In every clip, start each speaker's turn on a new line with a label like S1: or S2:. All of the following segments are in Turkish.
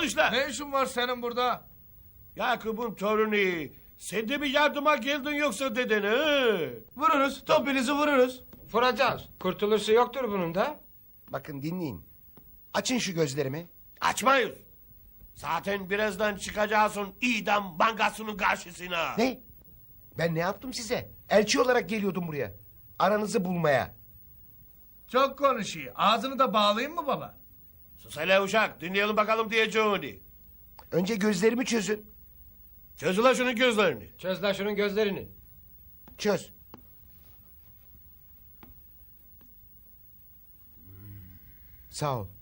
S1: Konuş lan.
S2: Ne işin var senin burada?
S1: Yakup'un torunu. Sen de mi yardıma geldin yoksa dedene?
S2: Vururuz, topinizi vururuz.
S3: Vuracağız. Kurtuluşu yoktur bunun da.
S4: Bakın dinleyin. Açın şu gözlerimi.
S1: Açmayız. Zaten birazdan çıkacaksın idam bankasının karşısına.
S4: Ne? Ben ne yaptım size? Elçi olarak geliyordum buraya. Aranızı bulmaya.
S2: Çok konuşuyor. Ağzını da bağlayayım mı baba?
S1: Sus hele uşak, dinleyelim bakalım diyeceğini.
S4: Önce gözlerimi çözün.
S1: Çöz ulan şunun gözlerini.
S3: Çöz lan şunun gözlerini.
S4: Çöz. Sağ ol.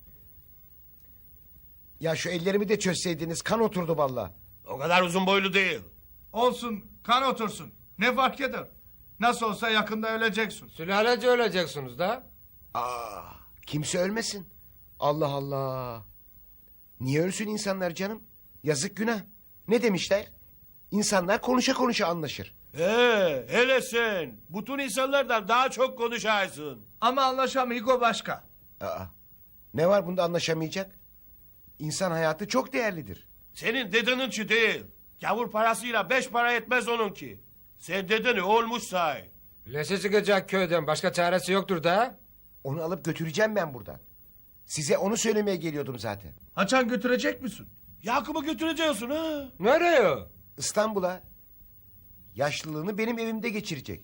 S4: Ya şu ellerimi de çözseydiniz kan oturdu vallahi.
S1: O kadar uzun boylu değil.
S2: Olsun, kan otursun. Ne fark eder? Nasıl olsa yakında öleceksin.
S3: Sülalece öleceksiniz da.
S4: Aa, kimse ölmesin. Allah Allah. Niye ölsün insanlar canım? Yazık günah. Ne demişler? İnsanlar konuşa konuşa anlaşır.
S1: Hele sen. Bütün insanlardan daha çok konuşarsın.
S2: Ama anlaşamıyor başka.
S4: Aa, ne var bunda anlaşamayacak? İnsan hayatı çok değerlidir.
S1: Senin dedeninki değil. Gavur parasıyla 5 para etmez onunki. Sen dedeni olmuş say.
S3: Leşe çıkacak köyden. Başka çaresi yoktur da.
S4: Onu alıp götüreceğim ben buradan. Size onu söylemeye geliyordum zaten.
S2: Haçan götürecek misin?
S1: Yakup'u götüreceksin ha.
S3: Nereye?
S4: İstanbul'a. Yaşlılığını benim evimde geçirecek.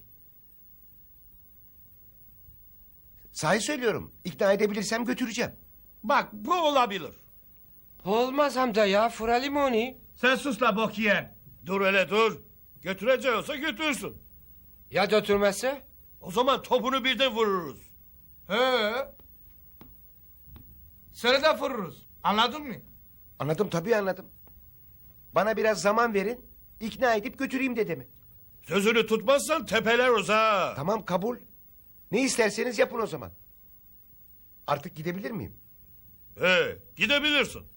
S4: Sahi söylüyorum. İkna edebilirsem götüreceğim.
S1: Bak bu olabilir.
S3: Olmaz amca ya. Furalim onu.
S2: Sen sus la bok yiyen.
S1: Dur hele dur. Götüreceğiyorsa götürsün.
S3: Ya götürmezse?
S1: O zaman topunu birden vururuz.
S2: He. Seni de vururuz. Anladın mı?
S4: Anladım tabii anladım. Bana biraz zaman verin. İkna edip götüreyim dedemi.
S1: Sözünü tutmazsan tepeler uza.
S4: Tamam kabul. Ne isterseniz yapın o zaman. Artık gidebilir miyim?
S1: Gidebilirsin.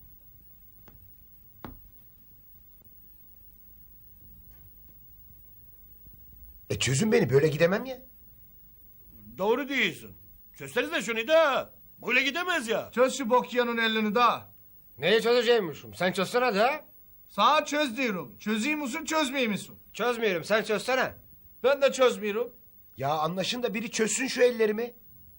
S4: Çözün beni böyle gidemem ya.
S1: Doğru değilsin. Çözsenize şunu da. Böyle gidemez ya.
S2: Çöz şu bok yiyenin elini daha.
S3: Neyi çözeceğimmişim? Sen çözsene de.
S2: Sana çöz diyorum. Çözeyim misin çözmeyeyim misin?
S3: Çözmüyorum. Sen çözsene.
S2: Ben de çözmüyorum.
S4: Ya anlaşın da biri çözsün şu ellerimi.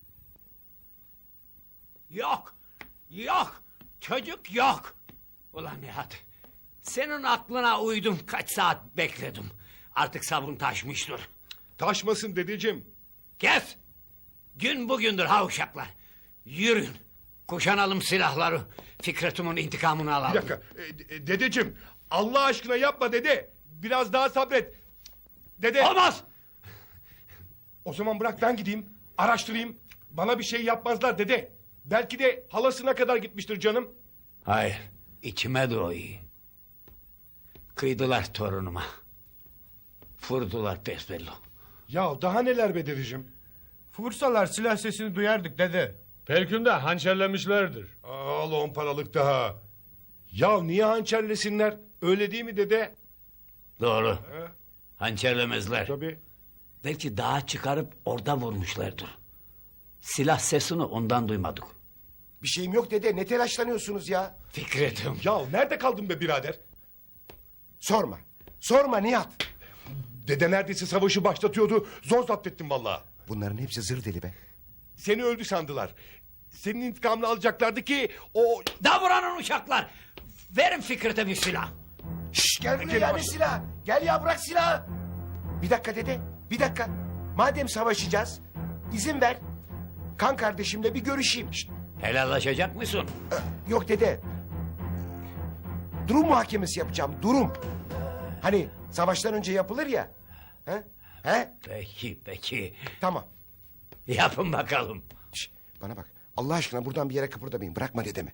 S5: Yok, yok, çocuk yok. Ulan Nihat, senin aklına uydum, kaç saat bekledim. Artık sabrım taşmıştır.
S6: Taşmasın dedeciğim.
S5: Kes! Gün bugündür ha uşaklar. Yürüyün, kuşanalım silahları. Fikret'imin intikamını
S6: Bir
S5: alalım.
S6: dakika. Dedeciğim Allah aşkına yapma dede. Biraz daha sabret. Dede.
S5: Olmaz!
S6: O zaman bırak ben gideyim. Araştırayım. Bana bir şey yapmazlar dede. Belki de halasına kadar gitmiştir canım.
S5: Hayır, içime doğuyor. Kıydılar torunuma. Vurdular besbelli.
S6: Ya daha neler be dedeciğim.
S2: Vursalar silah sesini duyardık dede.
S7: Belki de hançerlemişlerdir.
S6: Al 10 paralık daha. Ya niye hançerlesinler? Öyle değil mi dede?
S5: Doğru. Hançerlemezler.
S6: Tabii.
S5: Belki dağa çıkarıp orada vurmuşlardır. Silah sesini ondan duymadık.
S4: Bir şeyim yok dede ne telaşlanıyorsunuz ya?
S5: Fikret'im.
S6: Ya nerede kaldın be birader?
S4: Sorma. Sorma Nihat.
S6: Dede neredeyse savaşı başlatıyordu. Zor zapt ettim vallahi.
S4: Bunların hepsi zır deli be.
S6: Seni öldü sandılar. Senin intikamını alacaklardı ki o...
S5: Davranın uşaklar. Verin Fikret'e bir silah.
S4: Şşş gel buraya
S6: Gel
S4: ya ne
S6: baş-
S4: silah? Gel ya bırak silahı. Bir dakika dede bir dakika. Madem savaşacağız izin ver. Kan kardeşimle bir görüşeyim. Şşt,
S5: Helallaşacak mısın?
S4: yok dede. Durum muhakemesi yapacağım durum. Hani savaştan önce yapılır ya. He? He?
S5: Peki.
S4: Tamam.
S5: Yapın bakalım.
S4: Şşt, bana bak Allah aşkına buradan bir yere kıpırdamayın. Bırakma dedemi.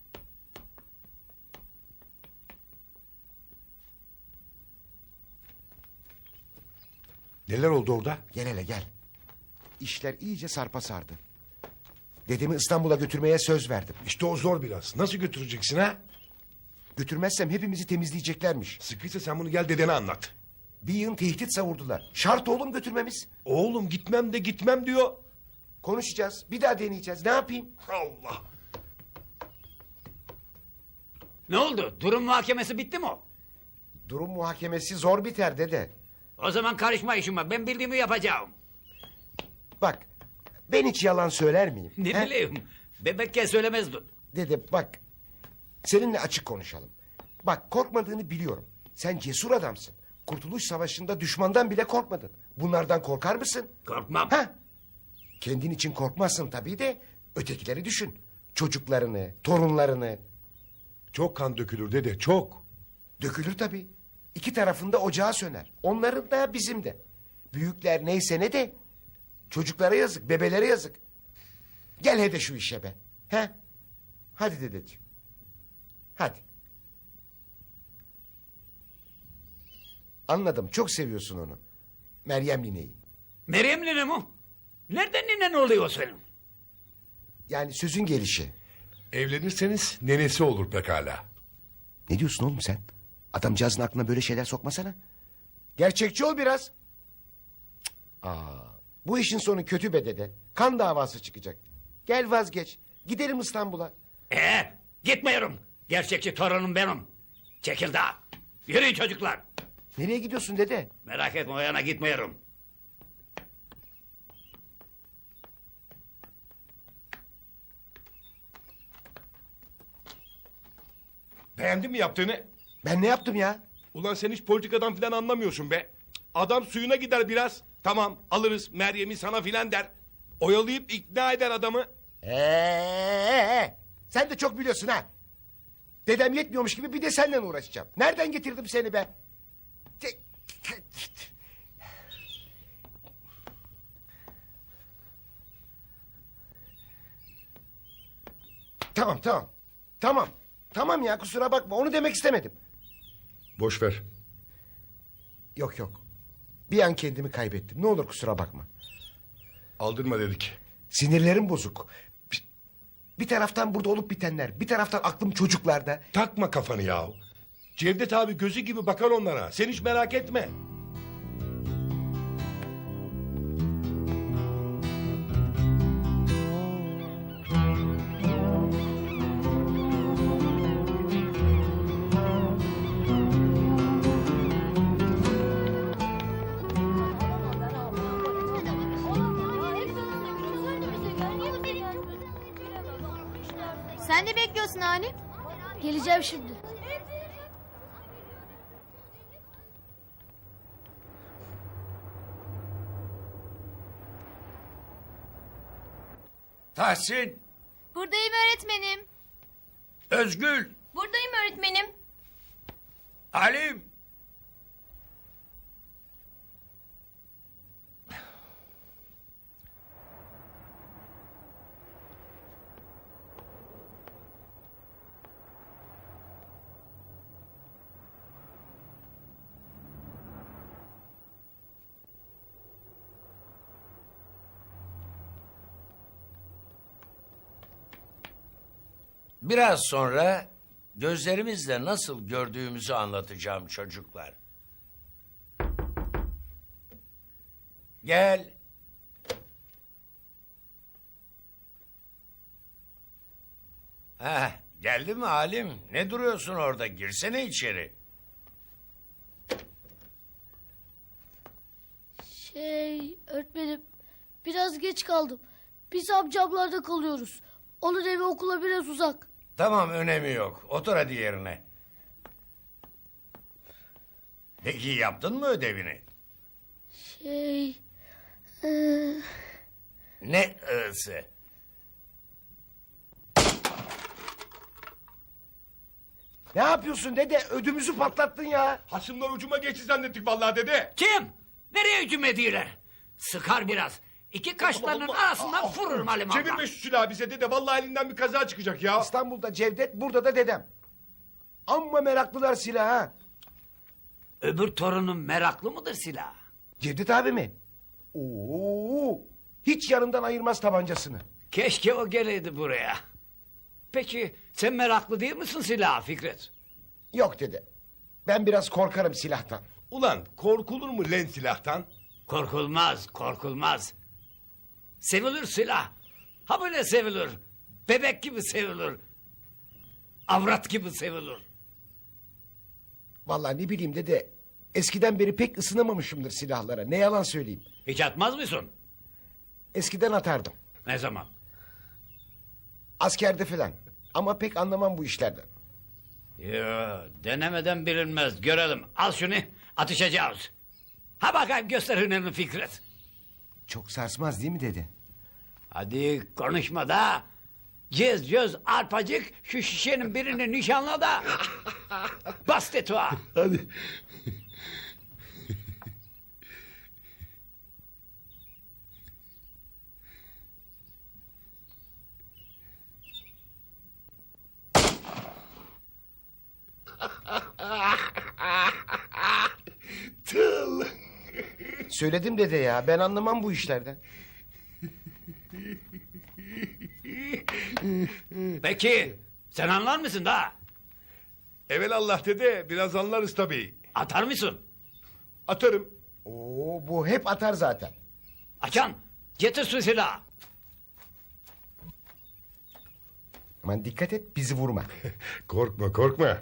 S6: Neler oldu orada?
S4: Gel hele gel. İşler iyice sarpa sardı. Dedemi İstanbul'a götürmeye söz verdim.
S6: İşte o zor biraz. Nasıl götüreceksin ha?
S4: Götürmezsem hepimizi temizleyeceklermiş.
S6: Sıkıysa sen bunu gel dedene anlat.
S4: Bir yığın tehdit savurdular. Şart oğlum götürmemiz.
S6: Oğlum gitmem de gitmem diyor.
S4: Konuşacağız. Bir daha deneyeceğiz. Ne yapayım?
S6: Allah.
S5: Ne oldu? Durum muhakemesi bitti mi o?
S4: Durum muhakemesi zor biter dede.
S5: O zaman karışma işime. Ben bildiğimi yapacağım.
S4: Bak ben hiç yalan söyler miyim?
S5: Ne
S4: he?
S5: bileyim. Bebekken söylemezdin.
S4: Dede bak seninle açık konuşalım. Bak korkmadığını biliyorum. Sen cesur adamsın. Kurtuluş Savaşı'nda düşmandan bile korkmadın. Bunlardan korkar mısın?
S5: Korkmam.
S4: Ha? Kendin için korkmazsın tabii de ötekileri düşün. Çocuklarını, torunlarını.
S6: Çok kan dökülür dede, çok.
S4: Dökülür tabii. İki tarafında ocağı söner. Onların da bizim de. Büyükler neyse ne de. Çocuklara yazık, bebelere yazık. Gel hede şu işe be. He? Hadi dedeciğim. Hadi. Anladım, çok seviyorsun onu. Meryem nineyi.
S5: Meryem nene mi? Nereden ninen oluyor senin?
S4: Yani sözün gelişi.
S6: Evlenirseniz nenesi olur pekala.
S4: Ne diyorsun oğlum sen? Adamcağızın aklına böyle şeyler sokmasana. Gerçekçi ol biraz. Cık. Bu işin sonu kötü be dede. Kan davası çıkacak. Gel vazgeç. Gidelim İstanbul'a.
S5: Gitmiyorum. Gerçekçi torunum benim. Çekil daha. Yürüyün çocuklar.
S4: Nereye gidiyorsun dede?
S5: Merak etme o yana gitmiyorum.
S6: Beğendin mi yaptığını?
S4: Ben ne yaptım ya?
S6: Ulan sen hiç politikadan filan anlamıyorsun be. Adam suyuna gider biraz. Tamam alırız Meryem'i sana filan der. Oyalayıp ikna eder adamı.
S4: Sen de çok biliyorsun ha. Dedem yetmiyormuş gibi bir de seninle uğraşacağım. Nereden getirdim seni be? Tamam tamam. Tamam. Tamam ya kusura bakma onu demek istemedim.
S6: Boş ver.
S4: Yok yok. Bir an kendimi kaybettim. Ne olur kusura bakma.
S6: Aldırma dedik.
S4: Sinirlerim bozuk. Bir taraftan burada olup bitenler. Bir taraftan aklım çocuklarda.
S6: Takma kafanı ya. Cevdet abi gözü gibi bakar onlara. Sen hiç merak etme.
S8: Sen ne bekliyorsun Halim? Geleceğim şimdi.
S5: Tahsin,
S8: Buradayım öğretmenim.
S5: Özgül,
S8: Buradayım öğretmenim.
S5: Halim.
S9: Biraz sonra gözlerimizle nasıl gördüğümüzü anlatacağım çocuklar. Gel. Geldi mi Halim? Ne duruyorsun orada? Girsene içeri.
S10: Öğretmenim biraz geç kaldım. Biz amcamlarda kalıyoruz. Onun evi okula biraz uzak.
S9: Tamam, önemi yok. Otur hadi yerine. Peki yaptın mı ödevini? Ne ısı?
S4: Ne yapıyorsun dede? Ödümüzü patlattın ya.
S6: Hasımlar ucuma geçti zannettik vallahi dede.
S5: Kim? Nereye hücum ediyorlar? Sıkar biraz. İki kaşlarının arasından vururum Halim abla.
S6: Çevirme şu silahı bize dede. Vallahi elinden bir kaza çıkacak ya.
S4: İstanbul'da Cevdet, burada da dedem. Amma meraklılar silaha.
S5: Öbür torunun meraklı mıdır silah?
S4: Cevdet abi mi? Hiç yanından ayırmaz tabancasını.
S5: Keşke o geleydi buraya. Peki sen meraklı değil misin silaha Fikret?
S4: Yok dede. Ben biraz korkarım silahtan.
S6: Ulan korkulur mu len silahtan?
S5: Korkulmaz, korkulmaz. Sevilir silah. Ha böyle sevilir. Bebek gibi sevilir. avrat gibi sevilir.
S4: Vallahi ne bileyim dede. Eskiden beri pek ısınamamışımdır silahlara. Ne yalan söyleyeyim.
S5: Hiç atmaz mısın?
S4: Eskiden atardım.
S5: Ne zaman?
S4: Askerde falan. Ama pek anlamam bu işlerden.
S5: Yo, denemeden bilinmez. Görelim. Al şunu, atışacağız. Ha bakayım göster hünerini Fikret.
S4: Çok sarsmaz değil mi dede?
S5: Hadi konuşma da. Göz arpacık şu şişenin birini nişanla da. Bas tetuğa.
S6: Hadi. Tıl.
S4: Söyledim dede ya. Ben anlamam bu işlerden.
S5: Peki sen anlar mısın da?
S6: Evelallah dede biraz anlarız tabii.
S5: Atar mısın?
S6: Atarım.
S4: Oo, bu hep atar zaten.
S5: Açan getir şu silahı.
S4: Aman dikkat et bizi vurma.
S6: Korkma korkma.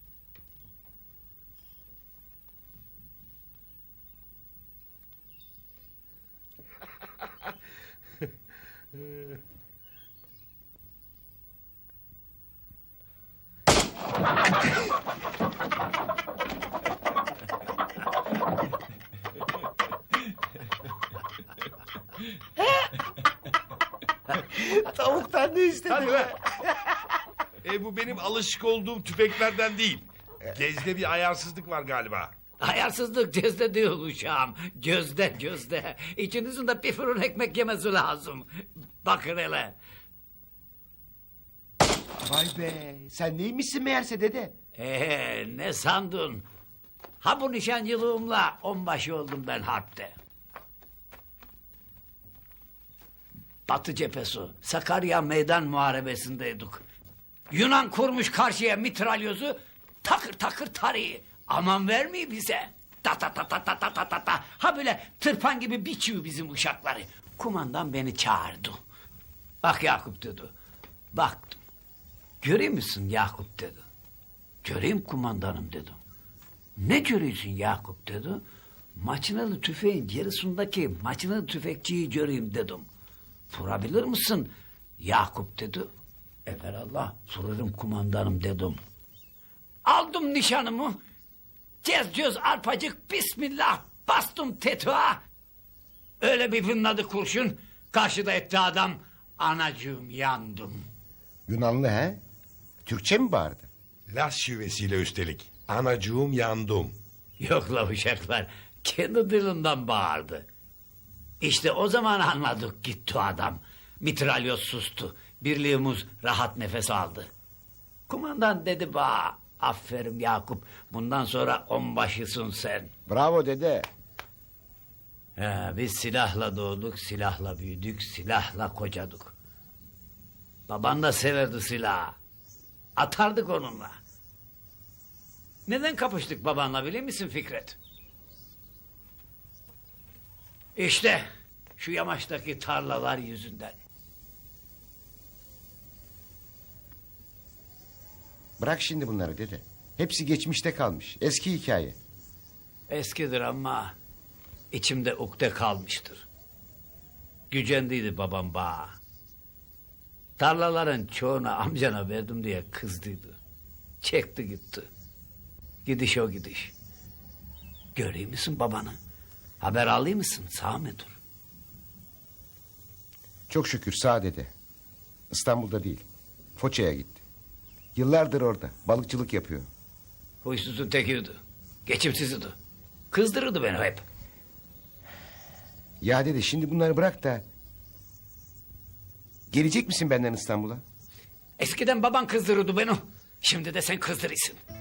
S4: Tavuktan ne istedin?
S6: Hadi be. Bu benim alışık olduğum tüfeklerden değil. Gezde bir ayarsızlık var galiba.
S5: Ayarsızlık cezde değil uşağım. Gözde. İçinizin de bir fırın ekmek yemesi lazım. Bakın hele.
S4: Vay be. Sen neymişsin meğerse dede?
S5: Ne sandın? Ha bu nişancılığımla onbaşı oldum ben harpte. Batı cephesi, Sakarya meydan muharebesindeydik. Yunan kurmuş karşıya mitralyozu, takır takır tarıyor. Aman vermiyor bize. Ta ta ta ta ta ta ta ta ta. Ha böyle tırpan gibi biçiyor bizim uşakları. Kumandan beni çağırdı. Bak Yakup dedi. Baktım. Görüyor musun Yakup dedi. Göreyim kumandanım dedim. Ne görüyorsun Yakup dedi. Maçınalı tüfeğin yarısındaki maçınalı tüfekçiyi göreyim dedim. Vurabilir misin Yakup dedi. Evelallah vurarım kumandanım dedim. Aldım nişanımı. Cez arpacık bismillah bastım tetuğa. Öyle bir fınladı kurşun. Karşıda etti adam. Anacığım yandım.
S4: Yunanlı he? Türkçe mi bağırdı?
S6: Las şivesiyle üstelik. Anacığım yandım.
S5: Yok la uşaklar. Kendi dilinden bağırdı. İşte o zaman anladık gitti adam. Mitralyoz sustu. Birliğimiz rahat nefes aldı. Kumandan dedi ba, aferin Yakup. Bundan sonra onbaşısın sen.
S4: Bravo dede.
S5: Biz silahla doğduk, silahla büyüdük, silahla kocadık. Baban da severdi silahı. Atardık onunla. Neden kapıştık babanla biliyor musun Fikret? İşte şu yamaçtaki tarlalar yüzünden.
S4: Bırak şimdi bunları dede. Hepsi geçmişte kalmış. Eski hikaye.
S5: Eskidir ama içimde ukde kalmıştır. Gücendiydi babam bağa. Tarlaların çoğunu amcana verdim diye kızdıydı. Çekti gitti. Gidiş o gidiş. Göreyim misin babanı? Haber alayım mısın? Sağ mıdır?
S4: Çok şükür sağ dede. İstanbul'da değil. Foça'ya gitti. Yıllardır orada. Balıkçılık yapıyor.
S5: Huysuzun tekiydi. Geçimsizdi. Kızdırırdı beni hep.
S4: Ya dede şimdi bunları bırak da... Gelecek misin benden İstanbul'a?
S5: Eskiden baban kızdırırdı beni. Şimdi de sen kızdırırsın.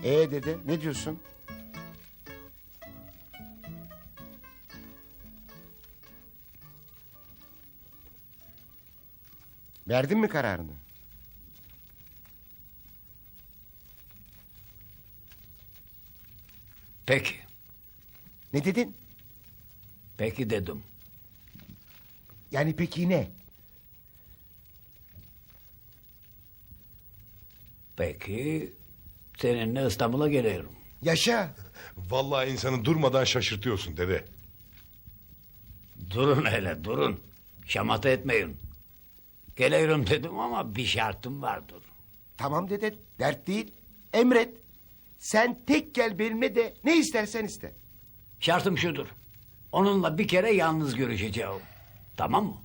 S4: Dede ne diyorsun? Verdin mi kararını?
S5: Peki.
S4: Ne dedin?
S5: Peki dedim.
S4: Yani peki ne?
S5: Peki seninle İstanbul'a geliyorum.
S4: Yaşa.
S6: Vallahi insanı durmadan şaşırtıyorsun dede.
S5: Durun hele durun. Şamata etmeyin. Geliyorum dedim ama bir şartım vardır.
S4: Tamam dede, dert değil. Emret. Sen tek gel benimle de ne istersen iste.
S5: Şartım şudur. Onunla bir kere yalnız görüşeceğim. Tamam mı?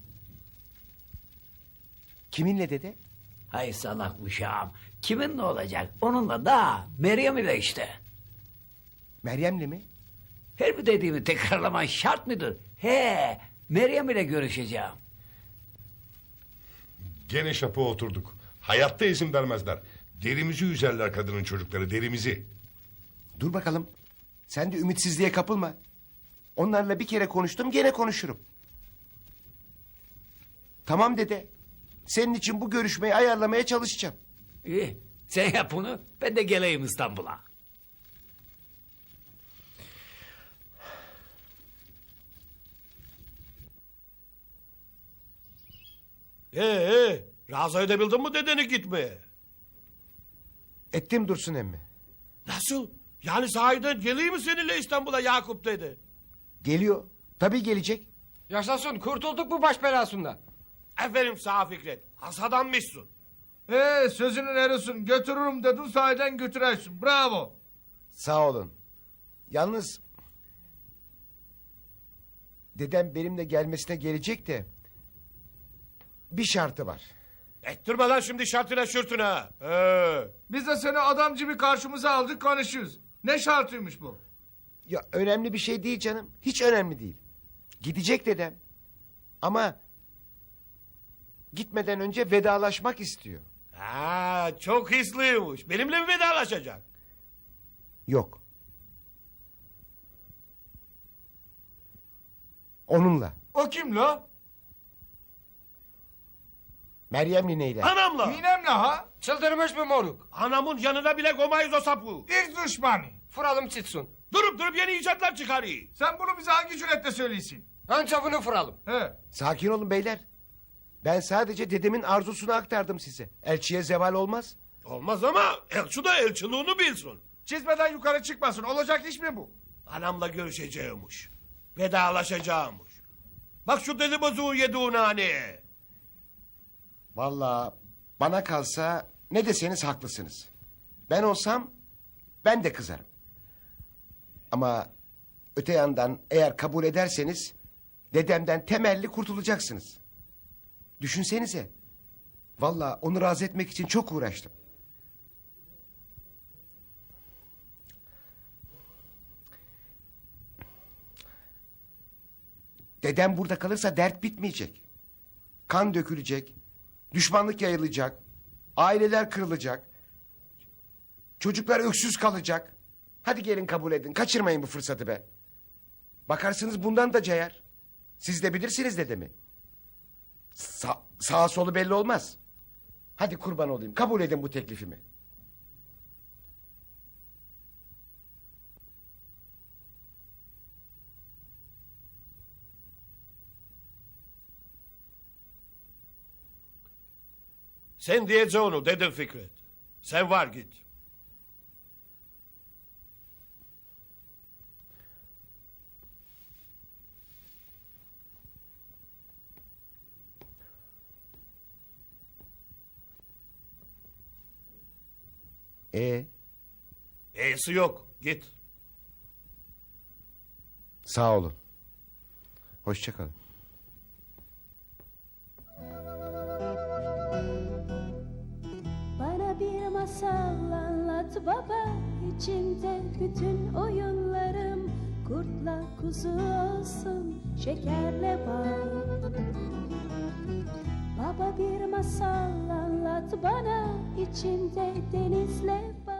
S4: Kiminle dede?
S5: Hay salak uşağım. Kiminle olacak? Onunla da Meryem ile işte.
S4: Meryem'le mi?
S5: Her bir dediğimi tekrarlaman şart mıdır? He, Meryem ile görüşeceğim.
S6: Gene şapa oturduk. Hayatta izin vermezler. Derimizi üzerler kadının çocukları, derimizi.
S4: Dur bakalım. Sen de ümitsizliğe kapılma. Onlarla bir kere konuştum, gene konuşurum. Tamam dede. Senin için bu görüşmeyi ayarlamaya çalışacağım.
S5: İyi, sen yap bunu, ben de geleyim İstanbul'a.
S1: Razı edebildin mi dedeni gitmeye?
S4: Ettim Dursun emmi.
S1: Nasıl? Yani sahiden geleyim mi seninle İstanbul'a Yakup dedi.
S4: Geliyor. Tabii gelecek.
S3: Yaşasın, kurtulduk bu baş belasından.
S1: Aferin sağ Fikret. Has adammışsın.
S2: Sözünün erisin. Götürürüm dedin sahiden götürersin. Bravo.
S4: Sağ olun. Yalnız... Dedem benimle gelmesine gelecek de... Bir şartı var.
S1: Ettirme lan şimdi şartına şürtüne.
S2: Biz de seni adam gibi karşımıza aldık konuşuyoruz. Ne şartıymış bu?
S4: Ya önemli bir şey değil canım. Hiç önemli değil. Gidecek dedem. Ama... Gitmeden önce vedalaşmak istiyor.
S1: Ha, çok hisliymiş. Benimle mi vedalaşacak?
S4: Yok. Onunla.
S2: O kim la?
S4: Meryem nineyle.
S1: Anamla.
S2: Ninemle ha?
S3: Çıldırmış mı moruk?
S1: Anamın yanına bile koymayız o sapı.
S2: İlk düşmanı.
S3: Fıralım çıksın.
S1: Durup yeni icatlar çıkarıyor.
S2: Sen bunu bize hangi cüretle söyleyesin?
S3: Önce bunu fıralım.
S2: He.
S4: Sakin olun beyler. Ben sadece dedemin arzusunu aktardım size. Elçiye zeval olmaz.
S1: Olmaz ama elçi de elçiliğini bilsin.
S2: Çizmeden yukarı çıkmasın. Olacak iş mi bu?
S1: Anamla görüşeceğimiş. Vedalaşacağımış. Bak şu deli bozuğu yediğin hani.
S4: Vallahi bana kalsa ne deseniz haklısınız. Ben olsam ben de kızarım. Ama öte yandan eğer kabul ederseniz dedemden temelli kurtulacaksınız. Düşünsenize. Vallahi onu razı etmek için çok uğraştım. Dedem burada kalırsa dert bitmeyecek. Kan dökülecek. Düşmanlık yayılacak. Aileler kırılacak. Çocuklar öksüz kalacak. Hadi gelin kabul edin. Kaçırmayın bu fırsatı be. Bakarsınız bundan da cayar. Siz de bilirsiniz dedemi. Sağa solu belli olmaz. Hadi kurban olayım. Kabul edin bu teklifimi.
S1: Sen diyeceğin onu dedin Fikret. Sen var git. E'si yok. Git.
S4: Sağ olun. Hoşça kalın.
S11: Bana bir masal anlat baba, içinde bütün oyunlarım kurtla kuzu olsun, şekerle bal. Baba bir masal anlat bana, içinde denizle bal.